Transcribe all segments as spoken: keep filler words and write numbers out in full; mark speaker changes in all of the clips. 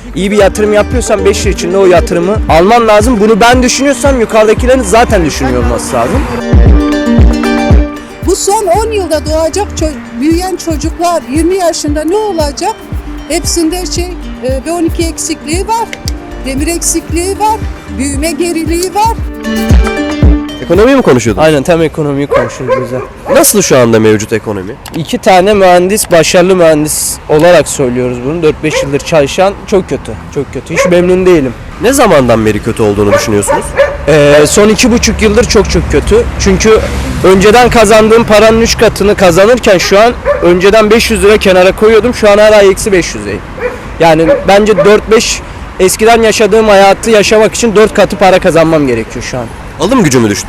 Speaker 1: İyi bir yatırım yapıyorsan beş yıl içinde o yatırımı alman lazım. Bunu ben düşünüyorsam yukarıdakilerin zaten düşünüyor olması lazım.
Speaker 2: Bu son on yılda doğacak, büyüyen çocuklar yirmi yaşında ne olacak? Hepsinde şey B on iki eksikliği var, demir eksikliği var, büyüme geriliği var.
Speaker 3: Ekonomiyi mi konuşuyordun?
Speaker 1: Aynen, tam ekonomiyi konuşuyoruz bize.
Speaker 3: Nasıl şu anda mevcut ekonomi?
Speaker 1: İki tane mühendis, başarılı mühendis olarak söylüyoruz bunu. dört beş yıldır çalışan çok kötü. Çok kötü. Hiç memnun değilim.
Speaker 3: Ne zamandan beri kötü olduğunu düşünüyorsunuz?
Speaker 1: Ee, son iki buçuk yıldır çok çok kötü. Çünkü önceden kazandığım paranın üç katını kazanırken şu an önceden beş yüz lira kenara koyuyordum. Şu an her ay eksi beş yüzeyim. Yani bence dört beş eskiden yaşadığım hayatı yaşamak için dört katı para kazanmam gerekiyor şu an.
Speaker 3: Alım gücü mü düştü?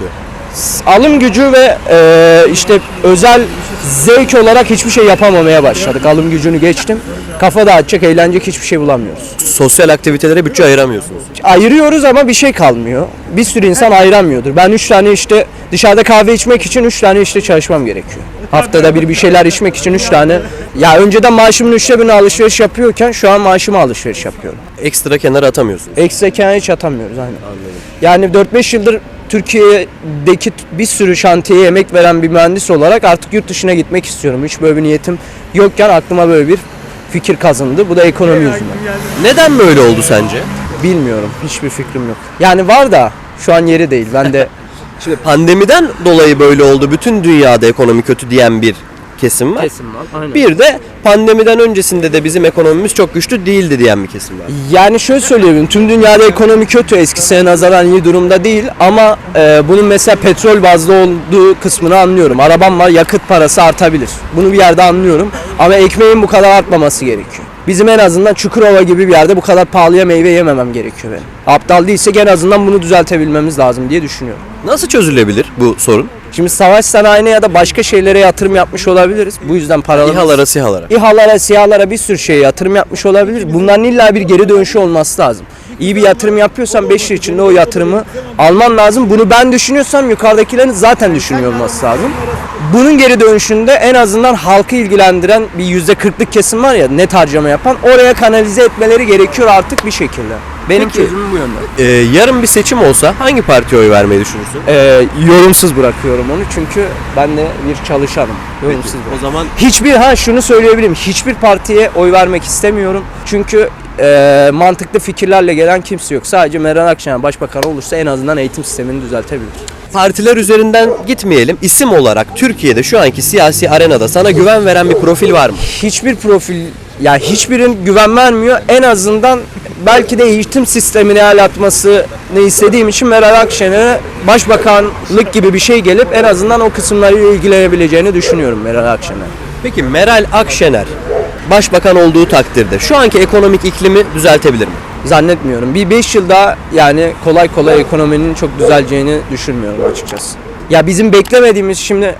Speaker 1: Alım gücü ve e, işte özel zevk olarak hiçbir şey yapamamaya başladık. Alım gücünü geçtim. Kafa dağıtacak, eğlenecek hiçbir şey bulamıyoruz.
Speaker 3: Sosyal aktivitelere bütçe ayıramıyorsunuz.
Speaker 1: Ayırıyoruz ama bir şey kalmıyor. Bir sürü insan ayıramıyordur. Ben üç tane işte dışarıda kahve içmek için üç tane işte çalışmam gerekiyor. Haftada bir bir şeyler içmek için üç tane. Ya önceden maaşımın üçte birini alışveriş yapıyorken şu an maaşıma alışveriş yapıyorum.
Speaker 3: Ekstra kenara atamıyorsunuz.
Speaker 1: Ekstra kenara hiç atamıyoruz aynen. Yani dört beş yıldır Türkiye'deki bir sürü şantiyeye emek veren bir mühendis olarak artık yurt dışına gitmek istiyorum. Hiç böyle bir niyetim yokken aklıma böyle bir fikir kazındı. Bu da ekonomi yüzünden.
Speaker 3: Neden böyle oldu sence?
Speaker 1: Bilmiyorum. Hiçbir fikrim yok. Yani var da şu an yeri değil. Ben de
Speaker 3: Şimdi pandemiden dolayı böyle oldu. Bütün dünyada ekonomi kötü diyen bir kesim var.
Speaker 1: kesim var. Aynen.
Speaker 3: Bir de pandemiden öncesinde de bizim ekonomimiz çok güçlü değildi diyen bir kesim var.
Speaker 1: Yani şöyle söyleyebilirim. Tüm dünyada ekonomi kötü. Eskisine nazaran iyi durumda değil. Ama e, bunun mesela petrol bazlı olduğu kısmını anlıyorum. Arabam var. Yakıt parası artabilir. Bunu bir yerde anlıyorum. Ama ekmeğin bu kadar artmaması gerekiyor. Bizim en azından Çukurova gibi bir yerde bu kadar pahalıya meyve yememem gerekiyor benim. Aptal değilsek en azından bunu düzeltebilmemiz lazım diye düşünüyorum.
Speaker 3: Nasıl çözülebilir bu sorun?
Speaker 1: Şimdi savaş sanayine ya da başka şeylere yatırım yapmış olabiliriz. Bu yüzden paralarımız...
Speaker 3: İHA'lara, SİHA'lara.
Speaker 1: İHA'lara, SİHA'lara bir sürü şeye yatırım yapmış olabilir. Bunların illa bir geri dönüşü olması lazım. İyi bir yatırım yapıyorsan beş yıl içinde o yatırımı alman lazım. Bunu ben düşünüyorsam yukarıdakilerin zaten düşünüyor olması lazım. Bunun geri dönüşünde en azından halkı ilgilendiren bir yüzde kırklık kesim var ya, net harcama yapan, oraya kanalize etmeleri gerekiyor artık bir şekilde. Benim
Speaker 3: Peki,
Speaker 1: çözümüm bu yönde.
Speaker 3: Ee, yarın bir seçim olsa hangi partiye oy vermeyi düşünürsün?
Speaker 1: Ee, yorumsuz bırakıyorum onu çünkü ben de bir çalışanım. Yorumsuz
Speaker 3: O zaman
Speaker 1: Hiçbir ha şunu söyleyebilirim. Hiçbir partiye oy vermek istemiyorum. Çünkü e, mantıklı fikirlerle gelen kimse yok. Sadece Meral Akşener başbakan olursa en azından eğitim sistemini düzeltebilir.
Speaker 3: partiler üzerinden gitmeyelim. İsim olarak Türkiye'de şu anki siyasi arenada sana güven veren bir profil var mı?
Speaker 1: Hiçbir profil, ya hiçbirin güven vermiyor. En azından belki de eğitim sistemini el atmasını istediğim için Meral Akşener'e başbakanlık gibi bir şey gelip en azından o kısımlarıyla ilgilenebileceğini düşünüyorum Meral Akşener.
Speaker 3: Peki Meral Akşener başbakan olduğu takdirde şu anki ekonomik iklimi düzeltebilir mi?
Speaker 1: Zannetmiyorum. Bir beş yıl daha yani kolay kolay ekonominin çok düzeleceğini düşünmüyorum açıkçası. Ya bizim beklemediğimiz şimdi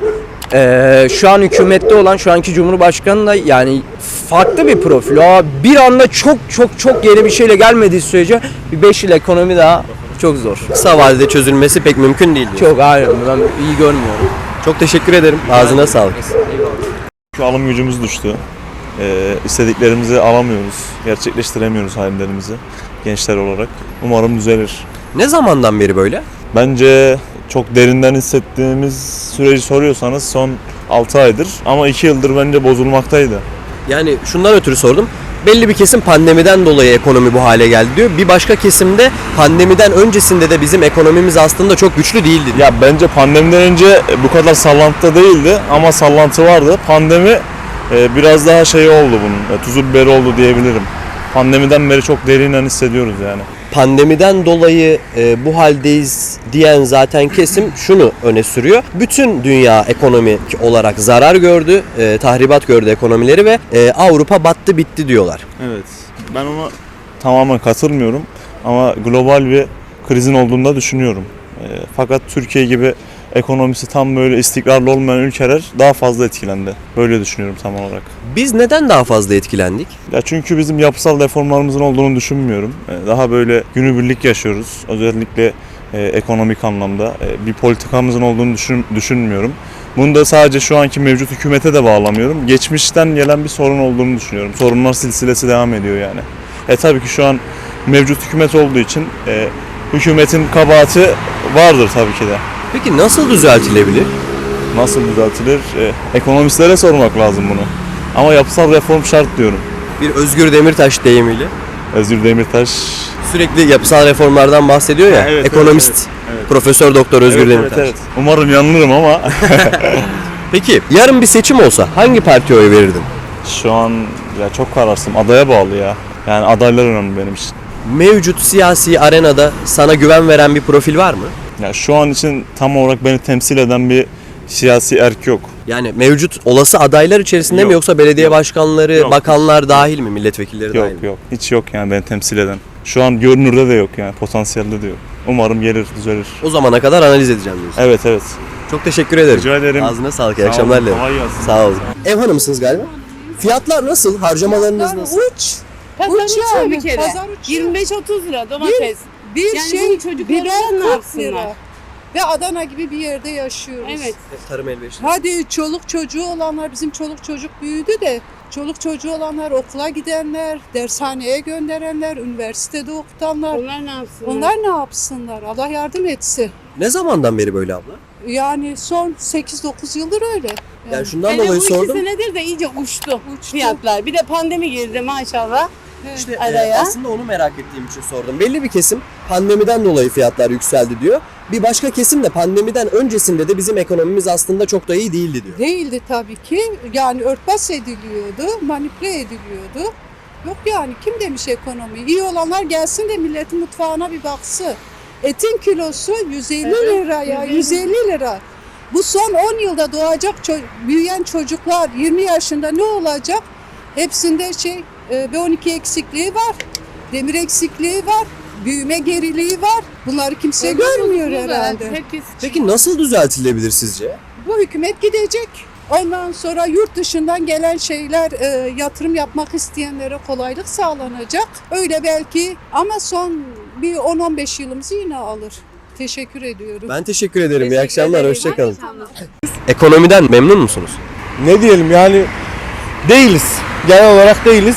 Speaker 1: e, şu an hükümette olan şu anki Cumhurbaşkanı da yani farklı bir profil. O bir anda çok çok çok yeni bir şeyle gelmediği sürece bir beş yıl ekonomi daha çok zor.
Speaker 3: Kısa vadede çözülmesi pek mümkün değil diyor.
Speaker 1: Çok hayır, ben iyi görmüyorum.
Speaker 3: Çok teşekkür ederim. Ağzına sağlık.
Speaker 4: Şu alım gücümüz düştü. Ee, istediklerimizi alamıyoruz, gerçekleştiremiyoruz hayallerimizi gençler olarak. Umarım düzelir.
Speaker 3: Ne zamandan beri böyle?
Speaker 4: Bence çok derinden hissettiğimiz süreci soruyorsanız son altı aydır ama iki yıldır bence bozulmaktaydı.
Speaker 3: Yani şundan ötürü sordum. Belli bir kesim pandemiden dolayı ekonomi bu hale geldi diyor. Bir başka kesimde pandemiden öncesinde de bizim ekonomimiz aslında çok güçlü değildi diyor.
Speaker 4: Ya bence pandemiden önce bu kadar sallantıda değildi ama sallantı vardı. Pandemi e, biraz daha şey oldu bunun, e, tuzu biberi oldu diyebilirim. Pandemiden beri çok derinden hissediyoruz yani.
Speaker 3: Pandemiden dolayı e, bu haldeyiz diyen zaten kesim şunu öne sürüyor. Bütün dünya ekonomik olarak zarar gördü, e, tahribat gördü ekonomileri ve e, Avrupa battı bitti diyorlar.
Speaker 4: Evet. Ben ona tamamen katılmıyorum ama global bir krizin olduğunu da düşünüyorum. E, fakat Türkiye gibi ekonomisi tam böyle istikrarlı olmayan ülkeler daha fazla etkilendi. Böyle düşünüyorum tam olarak.
Speaker 3: Biz neden daha fazla etkilendik?
Speaker 4: Ya çünkü bizim yapısal reformlarımızın olduğunu düşünmüyorum. E, daha böyle günübirlik yaşıyoruz. Özellikle e, ekonomik anlamda e, bir politikamızın olduğunu düşün, düşünmüyorum. Bunu da sadece şu anki mevcut hükümete de bağlamıyorum. Geçmişten gelen bir sorun olduğunu düşünüyorum. Sorunlar silsilesi devam ediyor yani. E tabii ki şu an mevcut hükümet olduğu için e, hükümetin kabahati vardır tabii ki de.
Speaker 3: Peki nasıl düzeltilebilir?
Speaker 4: Nasıl düzeltilir? E, ekonomistlere sormak lazım bunu. Ama yapısal reform şart diyorum.
Speaker 3: Bir Özgür Demirtaş deyimiyle.
Speaker 4: Özgür Demirtaş.
Speaker 3: Sürekli yapısal reformlardan bahsediyor ya.
Speaker 4: Ha, evet,
Speaker 3: ekonomist,
Speaker 4: evet, evet.
Speaker 3: Profesör Doktor Özgür
Speaker 4: Evet,
Speaker 3: Demirtaş.
Speaker 4: evet, evet. Umarım yanılırım ama
Speaker 3: Peki yarın bir seçim olsa hangi partiye oy verirdin?
Speaker 4: şu an ya çok kararsızım. Adaya bağlı ya. Yani adaylar önemli benim için.
Speaker 3: Mevcut siyasi arenada sana güven veren bir profil var mı?
Speaker 4: Ya şu an için tam olarak beni temsil eden bir siyasi erk yok.
Speaker 3: Yani mevcut olası adaylar içerisinde
Speaker 4: Yok.
Speaker 3: mi yoksa belediye
Speaker 4: Yok.
Speaker 3: başkanları,
Speaker 4: Yok.
Speaker 3: bakanlar dahil mi, milletvekilleri
Speaker 4: Yok
Speaker 3: dahil mi?
Speaker 4: yok. Hiç yok yani beni temsil eden. Şu an görünürde de yok yani. Potansiyelde de yok. Umarım gelir, düzelir.
Speaker 3: O zamana kadar analiz edeceğim diyorsun.
Speaker 4: Evet evet.
Speaker 3: Çok teşekkür ederim.
Speaker 4: Rica ederim.
Speaker 3: Ağzına sağlık, iyi
Speaker 4: Sağ
Speaker 3: akşamlar
Speaker 4: olun,
Speaker 3: dilerim.
Speaker 4: kolay gelsin.
Speaker 3: Sağ olun. Ev hanımısınız galiba. Fiyatlar nasıl? Harcamalarınız nasıl?
Speaker 2: Uç.
Speaker 5: Pazar
Speaker 2: Uç
Speaker 5: uçuyor
Speaker 2: yani,
Speaker 5: bir kere.
Speaker 2: pazar uçuyor.
Speaker 5: yirmi beş otuz lira domates.
Speaker 2: Bir
Speaker 5: Yani
Speaker 2: şey
Speaker 5: bunu çocuklarımız
Speaker 2: biber
Speaker 5: ne
Speaker 2: kırk
Speaker 5: yapsınlar?
Speaker 2: lira. Ve Adana gibi bir yerde yaşıyoruz.
Speaker 5: Evet.
Speaker 3: Tarım elverişli.
Speaker 2: Hadi çoluk çocuğu olanlar, bizim çoluk çocuk büyüdü de çoluk çocuğu olanlar, okula gidenler, dershaneye gönderenler, üniversitede okutanlar.
Speaker 5: Onlar ne yapsınlar?
Speaker 2: Onlar ne yapsınlar? Allah yardım etsin.
Speaker 3: Ne zamandan beri böyle abla?
Speaker 2: Yani son sekiz dokuz yıldır öyle. Yani,
Speaker 3: Yani şundan
Speaker 5: Hele
Speaker 3: dolayı
Speaker 5: bu iki
Speaker 3: sordum.
Speaker 5: senedir de iyice uçtu,
Speaker 2: Uçtu.
Speaker 5: fiyatlar. Bir de pandemi girdi maşallah.
Speaker 2: evet.
Speaker 3: İşte e,
Speaker 5: Araya.
Speaker 3: aslında onu merak ettiğim için sordum. Belli bir kesim pandemiden dolayı fiyatlar yükseldi diyor. Bir başka kesim de pandemiden öncesinde de bizim ekonomimiz aslında çok da iyi değildi diyor.
Speaker 2: Değildi tabii ki. Yani örtbas ediliyordu, manipüle ediliyordu. Yok yani kim demiş ekonomi? İyi olanlar gelsin de milletin mutfağına bir baksın. Etin kilosu yüz elli
Speaker 5: Evet,
Speaker 2: lira ya,
Speaker 5: yüz elli.
Speaker 2: yüz elli lira. Bu son on yılda doğacak ço- büyüyen çocuklar yirmi yaşında ne olacak? Hepsinde şey e, B on iki eksikliği var, demir eksikliği var, büyüme geriliği var. Bunları kimse görmüyor herhalde.
Speaker 5: Herkes
Speaker 3: Peki nasıl düzeltilebilir sizce?
Speaker 2: Bu hükümet gidecek. Ondan sonra yurt dışından gelen şeyler e, yatırım yapmak isteyenlere kolaylık sağlanacak. Öyle belki ama son bir on on beş yılımızı yine alır. Teşekkür ediyorum.
Speaker 3: Ben teşekkür ederim. İyi
Speaker 5: Teşekkür
Speaker 3: akşamlar.
Speaker 5: ederim.
Speaker 3: Hoşçakalın.
Speaker 5: Tamam.
Speaker 3: Ekonomiden memnun musunuz?
Speaker 6: Ne diyelim yani değiliz. Genel olarak değiliz.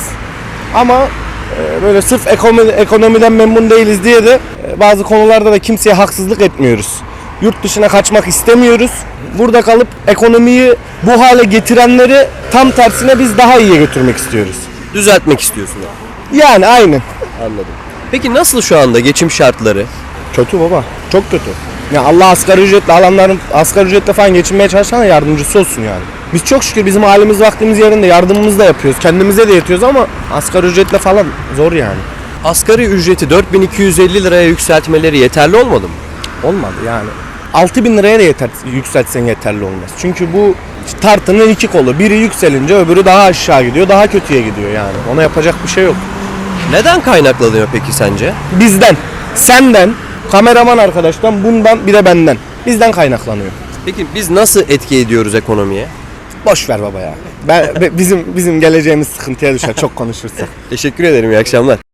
Speaker 6: Ama e, böyle sırf ekonomi, ekonomiden memnun değiliz diye de e, bazı konularda da kimseye haksızlık etmiyoruz. Yurt dışına kaçmak istemiyoruz. Burada kalıp ekonomiyi bu hale getirenleri tam tersine biz daha iyiye götürmek istiyoruz.
Speaker 3: Düzeltmek istiyorsunuz.
Speaker 6: Yani aynen.
Speaker 3: Anladım. Peki nasıl şu anda geçim şartları?
Speaker 6: Kötü baba. Çok kötü. Ya Allah asgari ücretle alanların asgari ücretle falan geçinmeye çalışana yardımcısı olsun yani. Biz çok şükür bizim halimiz vaktimiz yerinde yardımımızı da yapıyoruz. Kendimize de yetiyoruz ama asgari ücretle falan zor yani.
Speaker 3: Asgari ücreti dört bin iki yüz elli liraya yükseltmeleri yeterli olmadı mı?
Speaker 6: Olmadı yani. altı bin liraya da yeter, yükseltsen yeterli olmaz. Çünkü bu tartının iki kolu. Biri yükselince öbürü daha aşağı gidiyor, daha kötüye gidiyor yani. Ona yapacak bir şey yok.
Speaker 3: Neden kaynaklanıyor peki sence?
Speaker 6: Bizden, senden, kameraman arkadaştan, bundan bir de benden. Bizden kaynaklanıyor.
Speaker 3: Peki biz nasıl etki ediyoruz ekonomiye?
Speaker 6: Boş ver baba ya. Ben, be- bizim bizim geleceğimiz sıkıntıya düşer çok konuşursak.
Speaker 3: Teşekkür ederim. İyi akşamlar.